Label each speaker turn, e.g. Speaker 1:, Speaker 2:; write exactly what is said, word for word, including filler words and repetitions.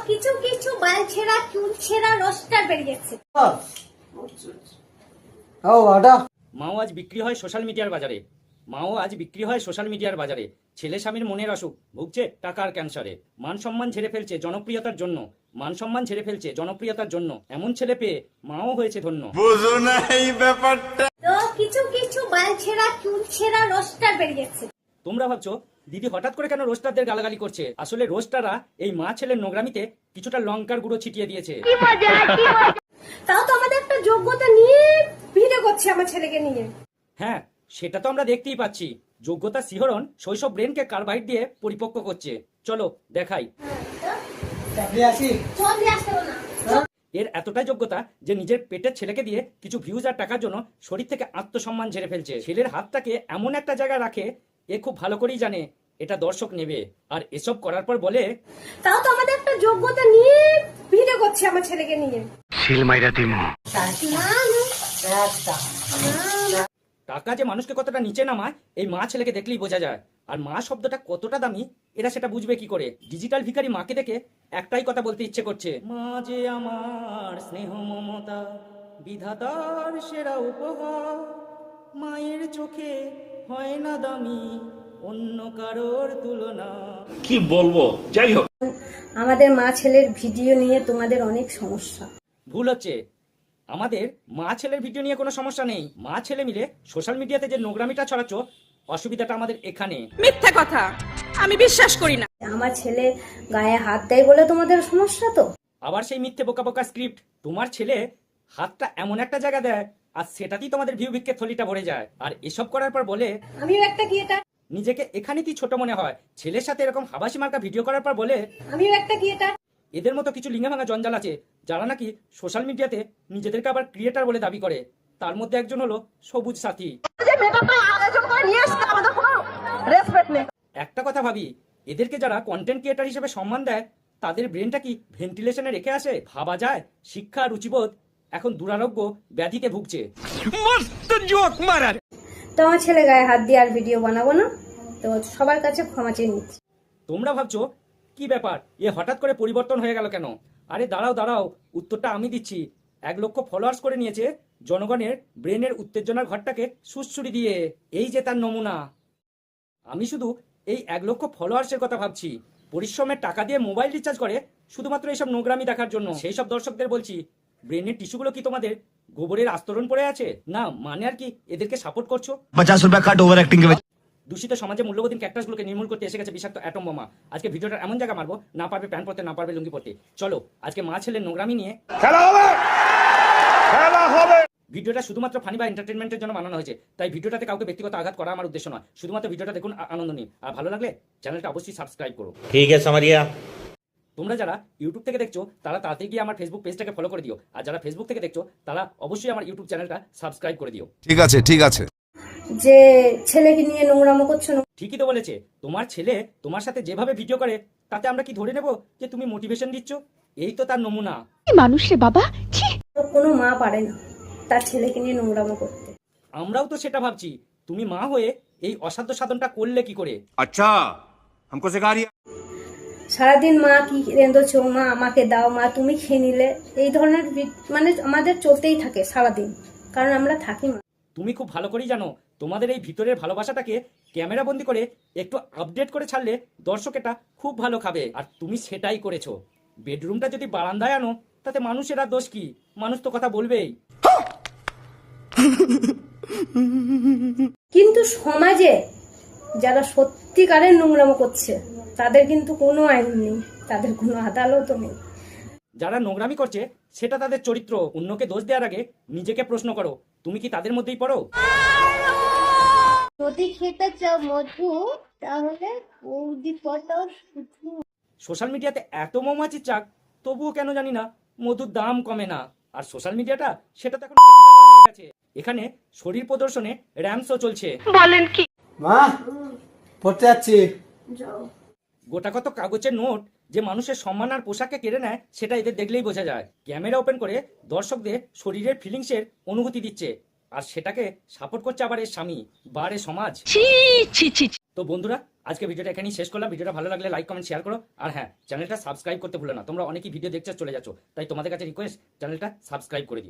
Speaker 1: কিছু কিছু বাল ছেঁড়া চুল ছেঁড়া রোস্টার বেরিয়েছে।
Speaker 2: মাও আজ বিক্রি হয় সোশ্যাল মিডিয়ার বাজারে। মাও আজ বিক্রি হয় সোশ্যাল মিডিয়ার বাজারে। ছেলে স্বামীর মনের অসুখ, ভুগছে টাকার ক্যান্সারে। মান সম্মান ঝেড়ে ফেলছে জনপ্রিয়তার জন্য। মান সম্মান ঝেড়ে ফেলছে জনপ্রিয়তার জন্য। এমন ছেলে পেয়ে মাও হয়েছে ধন্য।
Speaker 3: বুঝো না এই ব্যাপারটা।
Speaker 1: তো কিছু কিছু বাল ছেঁড়া চুল ছেঁড়া রোস্টার বেরিয়েছে।
Speaker 2: তোমরা ভাবছো দিদি হঠাৎ করে কেন রোস্টারদের গালাগালি করছে? আসলে রোস্টাররা এই মা ছেলের নোংরামিতে কিছুটা লঙ্কার গুঁড়ো ছিটিয়ে দিয়েছে।
Speaker 1: তাও তো আমাদের একটা যোগ্যতা নিয়ে ভিডিও করছে আমার ছেলেকে নিয়ে।
Speaker 2: হ্যাঁ, সেটা তো আমরা দেখতেই পাচ্ছি। যোগ্যতা শিহরণ শৈশব ব্রেনকে কার্বাইড দিয়ে পরিপক্ক করছে। চলো দেখাই। এর এতটাই যোগ্যতা যে নিজের পেটের ছেলেকে দিয়ে কিছু ভিউজ আর টাকার জন্য শরীর থেকে আত্মসম্মান ঝেড়ে ফেলছে। ছেলের হাতটাকে এমন একটা জায়গায় রাখে, এ খুব ভালো করেই জানে এটা দর্শক নেবে। আর এসব করার পর বলে,
Speaker 1: তাও তো আমাদের একটা যোগ্যতা নিয়ে ভিডিও করছে আমার ছেলেকে নিয়ে।
Speaker 2: টাকা যে মানুষকে কতটা নিচে নামায় এই মা ছেলেকে দেখলেই বোঝা যায়। আর মা শব্দটা কতটা দামি এরা সেটা বুঝবে কি করে? ডিজিটাল ভিখারি মাকে দেখে একটাই কথা বলতে ইচ্ছে করছে, মা যে আমার স্নেহ মমতা, বিধাতার সেরা উপহার। মায়ের চোখে হয় না দামি অন্য কারোর তুলনা।
Speaker 4: কি বলবো, যাই হোক।
Speaker 1: আমাদের মা ছেলের ভিডিও নিয়ে তোমাদের অনেক সমস্যা।
Speaker 2: ভুল হচ্ছে, আমাদের মা ছেলের ভিডিও নিয়ে কোনো সমস্যা নেই। মা ছেলে মিলে সোশ্যাল মিডিয়াতে যে নোংরামিটা ছড়াচ্ছ, অসুবিধাটা আমাদের এখানে।
Speaker 5: মিথ্যা কথা, আমি বিশ্বাস করি না।
Speaker 1: আমার ছেলে গায়ে হাত দেয় বলে তোমাদের সমস্যা তো?
Speaker 2: আবার সেই মিথ্যে বোকা বোকা স্ক্রিপ্ট। তোমার ছেলে হাতটা এমন একটা জায়গা দেয় আর সেটাতেই তোমাদের ভিউ ভিক্ষের থলিটা ভরে যায়। আর এসব করার পর বলে,
Speaker 1: আমিও একটা ক্রিয়েটার।
Speaker 2: নিজেকে এখানে কি ছোট মনে হয়? ছেলের সাথে এরকম হাবাসি মার্কা ভিডিও করার পর বলে,
Speaker 1: আমিও একটা ক্রিয়েটার।
Speaker 2: এদের মতো কিছু লিঙ্গে ভাঙা জঞ্জাল আছে যারা নাকি সোশ্যাল মিডিয়াতে নিজেদেরকে আবার ক্রিয়েটার বলে দাবি করে। তার মধ্যে একজন হলো সবুজ সাথী। একটা কথা ভাবি, এদেরকে যারা কন্টেন্ট ক্রিয়েটার হিসেবে সম্মান দেয় তাদের ব্রেনটা কি ভেন্টিলেশনে রেখে আসে? ভাবা যায় শিক্ষা রুচিবোধ এখন দুরারোগ্য ব্যাধিতে ভুগছে।
Speaker 1: তো আমার ছেলে গায়ে হাত দিয়ে আর ভিডিও বানাবো না, তো সবার কাছে ক্ষমা চেয়ে নিচ্ছি।
Speaker 2: তোমরা ভাবছো কি ব্যাপার, এ হঠাৎ করে পরিবর্তন হয়ে গেল কেন? আরে দাঁড়াও দাঁড়াও, উত্তরটা আমি দিচ্ছি। এক লক্ষ ফলোয়ার্স করে নিয়েছে জনগণের ব্রেনের উত্তেজনার ঘরটাকে সুড়সুড়ি দিয়ে। এই যে তার নমুনা। আমি শুধু এই এক লক্ষ ফলোয়ার্সের কথা ভাবছি। পরিশ্রমের টাকা দিয়ে মোবাইল রিচার্জ করে শুধুমাত্র এইসব নোংরামি দেখার জন্য। সেই সব দর্শকদের বলছি, ব্রেনের টিস্যুগুলো কি তোমাদের গোবরের আস্তরণ পড়ে আছে? না মানে আর কি এদেরকে সাপোর্ট করছো?
Speaker 3: পঞ্চাশ টাকা কাট ওভার অ্যাক্টিং কে।
Speaker 2: দূষিত সমাজে মূল্যবোধীন ক্যাক্টাসগুলোকে নির্মূল করতে এসে গেছে বিষাক্ত অ্যাটম বোমা। আজকে ভিডিওটা এমন জায়গা মারবো, না পারবে প্যান্ট পরতে, না পারবে লুঙ্গি পরতে। চলো আজকে মা ছেলের নোংরামি নিয়ে
Speaker 4: খেলা হবে, খেলা হবে।
Speaker 2: ভিডিওটা শুধুমাত্র ফানি বা এন্টারটেনমেন্টের জন্য বানানো হয়েছে, তাই ভিডিওটাতে কাউকে ব্যক্তিগত আঘাত করা আমার উদ্দেশ্য নয়। শুধুমাত্র ভিডিওটা দেখুন, আনন্দ নিন। আর ভালো লাগলে চ্যানেলটা অবশ্যই সাবস্ক্রাইব করো।
Speaker 4: ঠিক আছে समझिया।
Speaker 2: তোমরা যারা ইউটিউব থেকে দেখছো তারা তাড়াতাড়ি গিয়ে আমার ফেসবুক পেজটাকে ফলো করে দিও। আর যারা ফেসবুক থেকে দেখছো তারা অবশ্যই আমার ইউটিউব চ্যানেলটা সাবস্ক্রাইব করে দিও।
Speaker 6: ঠিক আছে ঠিক আছে।
Speaker 1: যে ছেলেকে নিয়ে নোংরামো করছো না।
Speaker 2: ঠিকই তো বলেছে। তোমার ছেলে তোমার সাথে যেভাবে ভিডিও করে তাতে আমরা কি ধরে নেব যে তুমি মোটিভেশন দিচ্ছ? এই তো তার নমুনা।
Speaker 5: মানুষ রে বাবা,
Speaker 1: কোনো মা পারে না তার ছেলেকে নিয়ে নোংরামো করতে।
Speaker 2: আমরাও তো সেটা ভাবছি। তুমি মা হয়ে এই অসাধ্য সাধনটা করলে কি করে?
Speaker 3: আচ্ছা हमको सिखा रही है।
Speaker 1: সারাদিন মা কি রেঁধেছো, মা আমাকে দাও, মা তুমি খেয়ে নিলে, এই ধরনের মানে আমাদের চলতেই থাকে সারাদিন, কারণ আমরা থাকি মা।
Speaker 2: তুমি খুব ভালো করেই জানো তোমাদের এই ভিতরের ভালোবাসাটাকে ক্যামেরা বন্দি করে একটু আপডেট করে ছাড়লে দর্শক এটা খুব ভালো খাবে। আর তুমি সেটাই করেছো। বেডরুমটা যদি বারান্দায় আনো তাতে মানুষের আর দোষ কি? মানুষ তো কথা বলবেই।
Speaker 1: কিন্তু সমাজে যারা সত্যিকারের নোংরামো করছে তাদের কিন্তু কোনো আইন নেই, তাদের কোনো আদালতও নেই।
Speaker 2: যারা নোংরামি করছে সেটা তাদের চরিত্র। অন্যকে দোষ দেওয়ার আগে নিজেকে প্রশ্ন করো, তুমি কি তাদের মধ্যেই পড়ো?
Speaker 1: যদি খেতে চাও মধু তাহলে বৌদি পটাও শুধু।
Speaker 2: সোশ্যাল মিডিয়াতে এত মৌমাছির চাক, তবুও কেন জানি না মধুর দাম কমে না। আর সোশ্যাল মিডিয়াটা সেটা তো এখন হয়ে গেছে। এখানে শরীর প্রদর্শনে র্যামসও চলছে।
Speaker 5: বলেন কি?
Speaker 7: মা পড়তে যাচ্ছি।
Speaker 2: গোটা কত কাগজের নোট যে মানুষের সম্মান আর পোশাককে কেড়ে নেয় সেটা এদের দেখলেই বোঝা যায়। ক্যামেরা ওপেন করে দর্শকদের শরীরের ফিলিংসের অনুভূতি দিচ্ছে, আর সেটাকে সাপোর্ট করছে আবার এর স্বামী বা এর সমাজ। তো বন্ধুরা, আজকে ভিডিওটা এখানেই শেষ করলাম। ভিডিওটা ভালো লাগলে লাইক কমেন্ট শেয়ার করো, আর হ্যাঁ, চ্যানেলটা সাবস্ক্রাইব করতে ভুলো না। তোমরা অনেকেই ভিডিও দেখছো চলে যাচ্ছ, তাই তোমাদের কাছে রিকোয়েস্ট, চ্যানেলটা সাবস্ক্রাইব করে দিও।